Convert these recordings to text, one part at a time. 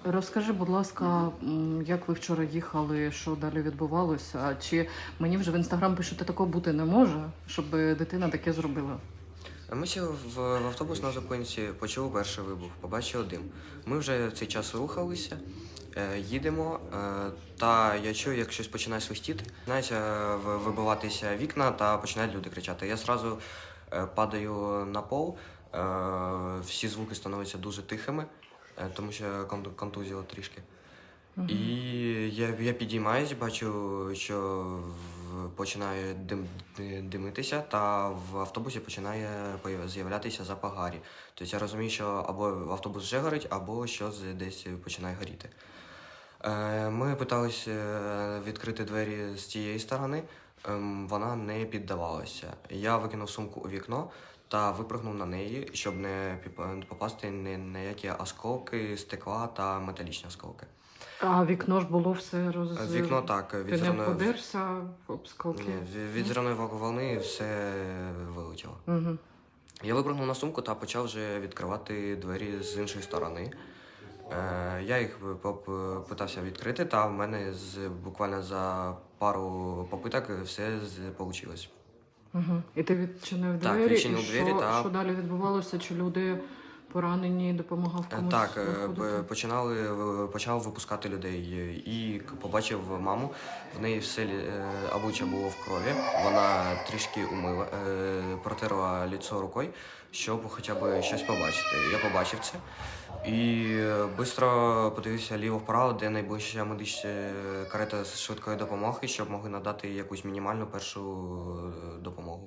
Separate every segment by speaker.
Speaker 1: Розкажи, будь ласка, як ви вчора їхали, що далі відбувалося? Чи мені вже в інстаграм пишуть, що такого бути не може, щоб дитина таке зробила?
Speaker 2: Ми сіли в автобус на зупинці, почули перший вибух, побачили дим. Ми вже в цей час рухалися, їдемо, та я чую, як щось починає свистіти. Починаються вибиватися вікна та починають люди кричати. Я одразу падаю на пол, всі звуки становляться дуже тихими, тому що контузило трішки. І я підіймаюсь, бачу, що починає димитися, та в автобусі починає з'являтися запах гарі. Тобто я розумію, що або автобус вже горить, або щось десь починає горіти. Ми питалися відкрити двері з цієї сторони, вона не піддавалася. Я викинув сумку у вікно та випрыгнув на неї, щоб не попасти ні на які осколки, стекла та металічні осколки.
Speaker 1: А вікно ж було все
Speaker 2: Вікно так,
Speaker 1: Ти не подерся об скалки?
Speaker 2: від зеленої волни все вилетіло.
Speaker 1: Угу.
Speaker 2: Я випрыгнув на сумку та почав вже відкривати двері з іншої сторони. Я їх питався відкрити, та в мене буквально за пару попиток все вийшло.
Speaker 1: Угу. І ти відчинив двері?
Speaker 2: Так, відчинив
Speaker 1: і
Speaker 2: двері, та...
Speaker 1: що далі відбувалося? Чи люди поранені, допомагав комусь?
Speaker 2: Так,
Speaker 1: виходити?
Speaker 2: почав випускати людей і побачив маму. В неї все обличчя було в крові. Вона трішки умила, протерла лицо рукою, щоб хоча б щось побачити. Я побачив це і швидко подивився ліво-вправо, де найближча медична карета з швидкої допомоги, щоб могли надати якусь мінімальну першу допомогу.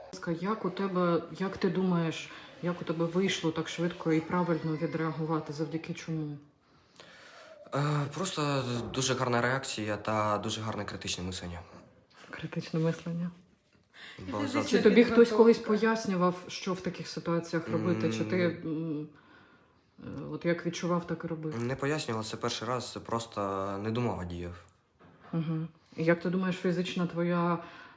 Speaker 1: Як ти думаєш, як у тебе вийшло так швидко і правильно відреагувати? Завдяки чому?
Speaker 2: Просто дуже гарна реакція та дуже гарне критичне мислення.
Speaker 1: Критичне мислення.
Speaker 2: Бо
Speaker 1: Чи тобі хтось колись пояснював, що в таких ситуаціях робити? Чи ти от як відчував, так і робив?
Speaker 2: Не пояснював, це перший раз, просто не думав, а діяв.
Speaker 1: Угу. І як ти думаєш, фізична твоя,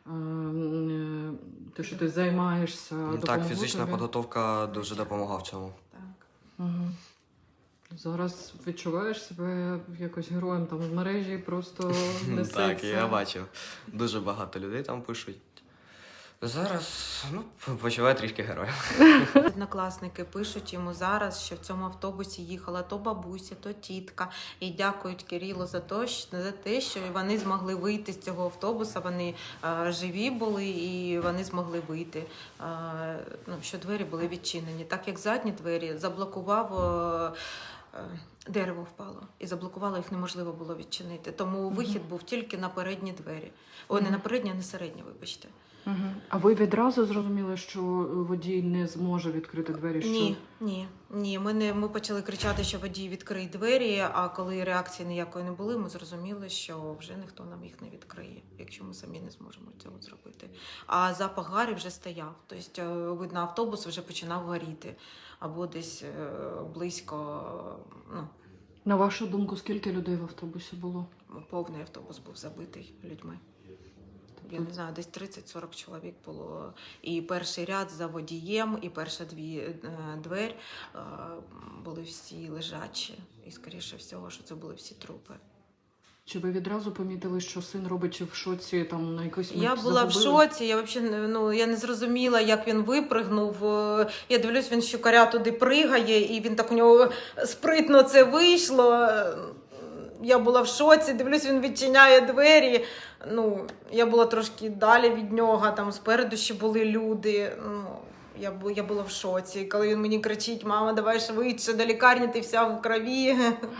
Speaker 1: те, що ти займаєшся, допомогло
Speaker 2: Так, фізична
Speaker 1: тобі?
Speaker 2: підготовка дуже допомогла в цьому.
Speaker 3: Так.
Speaker 1: Угу. Зараз відчуваєш себе якось героєм там в мережі, просто несеться?
Speaker 2: Так, я бачив. Дуже багато людей там пишуть. Зараз, почуваю трішки героя.
Speaker 3: Однокласники пишуть йому зараз, що в цьому автобусі їхала то бабуся, то тітка. І дякують Кирилу за те, що вони змогли вийти з цього автобуса, вони живі були і вони змогли вийти. Що двері були відчинені. Так як задні двері заблокував, дерево впало і заблокувало, їх неможливо було відчинити. Тому вихід був тільки на передні двері. Ой, не на передні, а на середні, вибачте.
Speaker 1: Угу. А ви відразу зрозуміли, що водій не зможе відкрити двері? Що...
Speaker 3: Ні. Ми почали кричати, що водій відкриє двері, а коли реакції ніякої не було, ми зрозуміли, що вже ніхто нам їх не відкриє, якщо ми самі не зможемо цього зробити. А запах гарі вже стояв. Тобто, видно, автобус вже починав горіти. Або десь близько,
Speaker 1: На вашу думку, скільки людей в автобусі було?
Speaker 3: Повний автобус був забитий людьми. Я не знаю, десь 30-40 чоловік було. І перший ряд за водієм, і перша двері були всі лежачі. І, скоріше всього, що це були всі трупи.
Speaker 1: Чи ви відразу помітили, що син робить, чи в шоці, там на якусь
Speaker 3: Я була в шоці, я не зрозуміла, як він випригнув. Я дивлюсь, він щукаря туди пригає, і він так у нього спритно це вийшло. Я була в шоці, дивлюсь, він відчиняє двері. Я була трошки далі від нього, там спереду ще були люди. Я була в шоці. Коли він мені кричить: "Мама, давай швидше, до лікарні, ти вся в крові".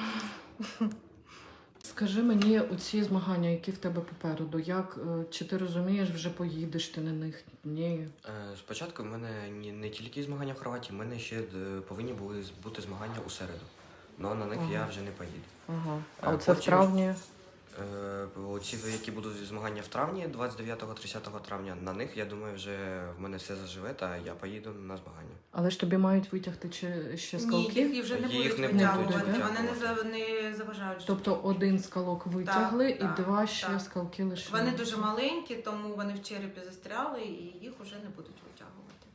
Speaker 1: Скажи мені, оці змагання, які в тебе попереду, чи ти розумієш, вже поїдеш ти на них? Ні.
Speaker 2: Спочатку в мене не тільки змагання в Хорватії, в мене ще повинні були бути змагання у середу. Але на них я вже не поїду.
Speaker 1: Ага. А це в травні?
Speaker 2: Оці, які будуть змагання в травні, 29-30 травня, на них, я думаю, вже в мене все заживе, та я поїду на змагання.
Speaker 1: Але ж тобі мають витягти ще скалки?
Speaker 3: Ні, їх вже не
Speaker 2: Їх
Speaker 3: будуть
Speaker 2: не
Speaker 3: витягувати,
Speaker 2: будуть
Speaker 3: вони не заважають.
Speaker 1: Тобто один скалок витягли і два ще
Speaker 3: так.
Speaker 1: скалки лишили?
Speaker 3: Вони дуже маленькі, тому вони в черепі застряли і їх вже не будуть витягувати.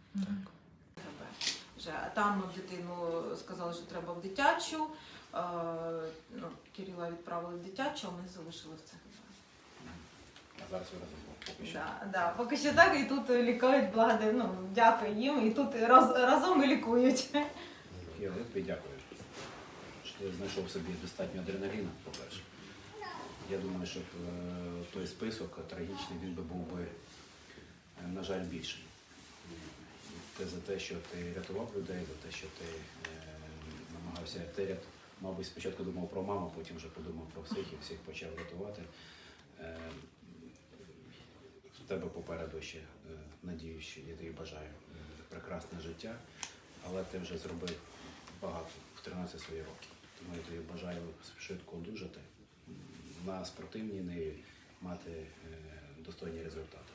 Speaker 1: Так.
Speaker 3: Там дитину сказали, що треба в дитячу. Кирила відправили в дитячу, а ми залишили в центрі.
Speaker 4: А зараз ви разом поки що.
Speaker 3: Да, поки що так, і тут лікують, дякую їм, і тут разом і лікують.
Speaker 4: Я тобі дякую, що ти знайшов в собі достатньо адреналіну, по-перше. Я думаю, що той список трагічний, він би був би, на жаль, більший. Те за те, що ти рятував людей, за те, що ти намагався, мабуть, спочатку думав про маму, потім вже подумав про всіх і всіх почав рятувати. В тебе попереду ще, надію, що я тобі бажаю прекрасне життя, але ти вже зробив багато в 13 свої роки. Тому я тобі бажаю швидко одужати, на спортивній ниві мати достойні результати.